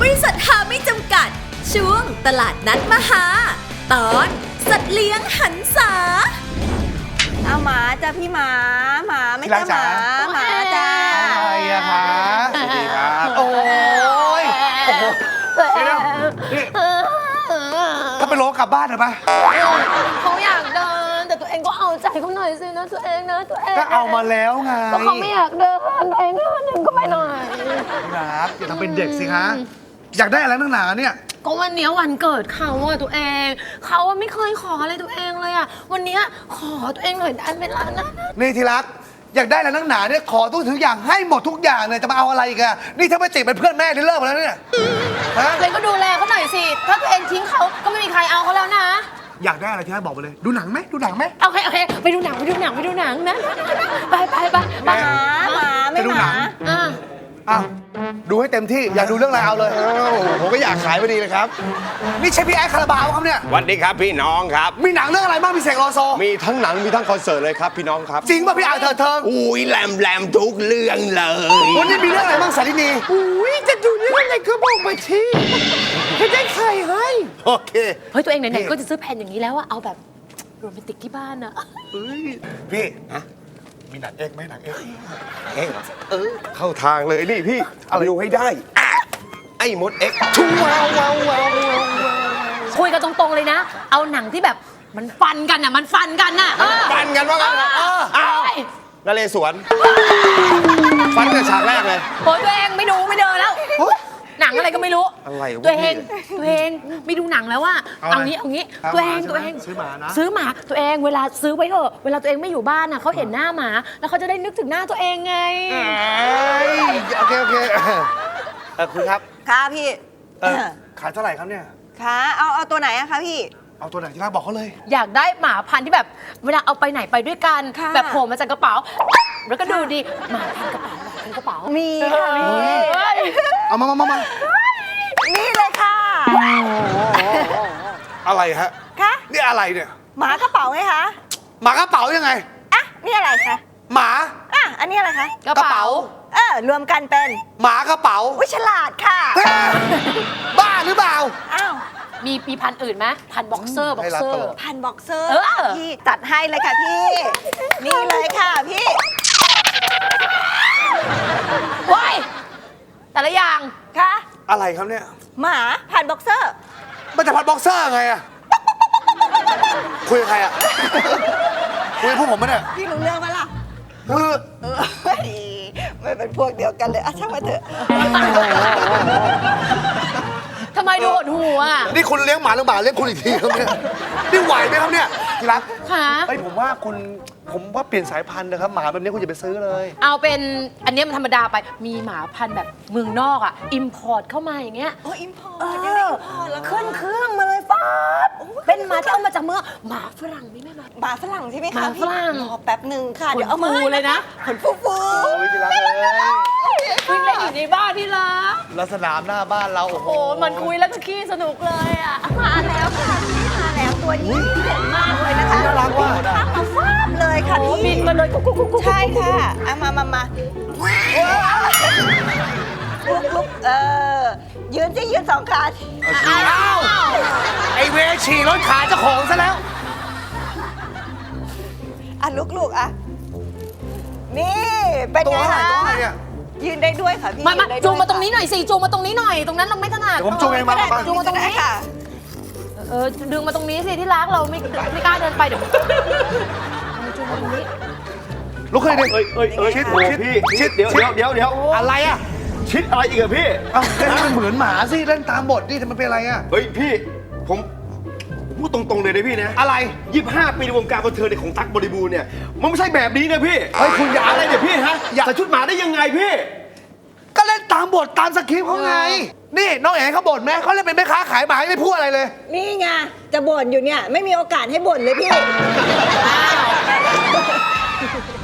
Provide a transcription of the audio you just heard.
บริษัทหาไม่จำกัดช่วงตลาดนัดมหาตอนสัตว์เลี้ยงหันษาเอาหมาจ้ะพี่หมาไม่ใช่หมาจ้าอะไรอะคะสวัสดีครับโอ้ยเดี๋ยวนี่ถ้าไปโลกลับบ้านเหรอปะเขาอยากเดินแต่ตัวเองก็เอาใจเขาหน่อยสินะตัวเองนะตัวเองก็เอามาแล้วไงก็เขาไม่อยากเดินตัวเองก็หนึ่งก็ไปหน่อยครับอย่าทำเป็นเด็กสิคะอยากได้อะไรนักหนาเนี่ยก็วันนี้วันเกิดเขาอะตัวเองเขาไม่เคยขออะไรตัวเองเลยอะวันนี้ขอตัวเองหน่อยได้ไหมล่ะนะนี่ที่รักอยากได้อะไรนักหนาเนี่ยขอทุกอย่างให้หมดทุกอย่างเลยจะมาเอาอะไรอีกอะนี่ถ้าไม่ติดเป็นเพื่อนแม่ได้เลิกแล้วเนี่ยตัวเองก็ดูแลเขาหน่อยสิถ้าตัวเองทิ้งเขาก็ไม่มีใครเอาเขาแล้วนะอยากได้อะไรที่รักบอกไปเลยดูหนังไหมโอเคไปดูหนังนะไปหมาไม่หมาอ้าวดูให้เต็มที่อยากดูเรื่องอะไรเอาเลยผมก็อยากขายพอดีเลยครับนี่ใช่พี่แอดคาราบาวครับเนี่ยสวัสดีครับพี่น้องครับมีหนังเรื่องอะไรบ้างพี่เสกโลโซมีทั้งหนังมีทั้งคอนเสิร์ตเลยครับพี่น้องครับจริงป่ะพี่อาเธออุ้ยแหลมทุกเรื่องเลยวันนี้มีเรื่องอะไรบ้างสารินีอุ้ยจะดูเรื่องอะไรก็บอกมาทีจะได้ใครให้โอเคเฮ้ยตัวเองไหนๆก็จะซื้อแผ่นอย่างนี้แล้วอะเอาแบบโรแมนติกที่บ้านอะพี่มีหนังเอกไหมหนังเอกเข้าทางเลยนี่พี่เอาดูให้ได้ไอ้มดเอ็กชูว้าวคุยกันตรงๆเลยนะเอาหนังที่แบบมันฟันกันน่ะฟันกันว่ากันนเรศวรฟันกันฉากแรกเลยโอ้ยตัวเองไม่ดูไม่เดินแล้วหนังอะไรก็ไม่รู้ตัวเองไม่ดูหนังแล้วว่าเอางี้ตัวเองซื้อหมานะซื้อหมาตัวเองเวลาซื้อไว้เถอะเวลาตัวเองไม่อยู่บ้านน่ะเขาเห็นหน้าหมาแล้วเขาจะได้นึกถึงหน้าตัวเองไงโอเคคุณครับค่ะพี่ขายเท่าไหร่ครับเนี่ยค่ะเอาตัวไหนอะคะพี่เอาตัวไหนที่รักบอกเขาเลยอยากได้หมาพันธุ์ที่แบบเวลาเอาไปไหนไปด้วยกันแบบโผล่มาจากกระเป๋าแล้วก็ดูดีหมาพันกระเป๋ามีค่ะมีเอามานี่เลยค่ะอะไรฮะคะนี่อะไรเนี่ยหมากระเป๋าไงคะหมากระเป๋ายังไงอ่ะนี่อะไรคะหมาอันนี้อะไรคะกระเป๋ารวมกันเป็นหมากระเป๋าวิฉลาดค่ะบ้าหรือเปล่าอ้าวมีพันอื่นไหมพันบ็อกเซอร์พันบ็อกเซอร์พี่จัดให้เลยค่ะพี่นี่เลยค่ะพี่ว้ายแต่ละอย่างค่ะอะไรครับเนี่ยหมาพันบ็อกเซอร์มันจะพันบ็อกเซอร์ไงอะคุยกับใครอะคุยกับพวกผมไหมเนี่ยพี่รู้เรื่องไหมล่ะไม่เป็นพวกเดียวกันเลยช่างมาเถอะทำไมดูหดหูอ่ะนี่คุณเลี้ยงหมาหรือหมาเลี้ยงคุณอีกทีครับเนี่ยนี่ไหวไหมครับเนี่ยที่รักค่ะผมว่าเปลี่ยนสายพันธุ์นะครับหมาแบบนี้คุณอย่าไปซื้อเลยเอาเป็นอันนี้มันธรรมดาไปมีหมาพันธุ์แบบเมืองนอกอ่ะอิมพอร์ตเข้ามาอย่างเงี้ยอิมพอร์ตยังไงอิมพอร์ตแล้วขึ้นเครื่องมาเลยป๊าบเป็นหมาที่เอามาจากเมืองหมาฝรั่งนี่ไหมหมาฝรั่งใช่ไหมคะหมาฝรั่งรอแป๊บหนึ่งค่ะเดี๋ยวเอามาเลยนะขนฟูโอ้ยที่รักเลยวิ่งเล่นอยู่ในบ้านที่รักแล้วสนามหน้าบ้านเราโอ้โหมันคุยแล้วก็ขี้สนุกเลยอ่ะมาแล้วค่ะมาแล้วตัวนี้เด่นมากเลยนะคะน่ารักว่ะมาฟาดเลยค่ะพี่บินมาเลยกุ๊กใช่ค่ะมาลุกยืนสิยืน2 ขาอ้าวไอเวฉี่รถขาเจ้าของซะแล้วลุกนี่เป็นไงคะยืนได้ด้วยค่ะพี่มาจูงมาตรงนี้หน่อยสิจูงมาตรงนี้หน่อยตรงนั้นเราไม่ถนัดผมจูงเองมาจูงมาตรงนี้ค่ะดึงมาตรงนี้สิที่รักเราไม่กล้าเดินไปเดี๋ยวจูงมาตรงนี้ลุกขึ้นดิชิดเดี๋ยวอะไรอ่ะชิดอะไรอีกอะพี่เล่นมันเหมือนหมาสิเล่นตามบทนี่ทำไมเป็นอะไรอ่ะเฮ้ยพี่ผมพูดตรงๆเลยนะพี่นะอะไร 25 ปีในวงการบันเทิงของตั๊กบริบูรณ์เนี่ยมันไม่ใช่แบบนี้นะพี่เฮ้ยคุณอย่าอะไรเนี่ยพี่ฮะใส่ชุดหมาได้ยังไงพี่ก็เล่นตามบทตามสคริปต์เขาไงนี่น้องเอ๋เขาบ่นไหมเขาเล่นเป็นแม่ค้าขายหมาไม่พูดอะไรเลยนี่ไงจะบ่นอยู่เนี่ยไม่มีโอกาสให้บ่นเลยพี่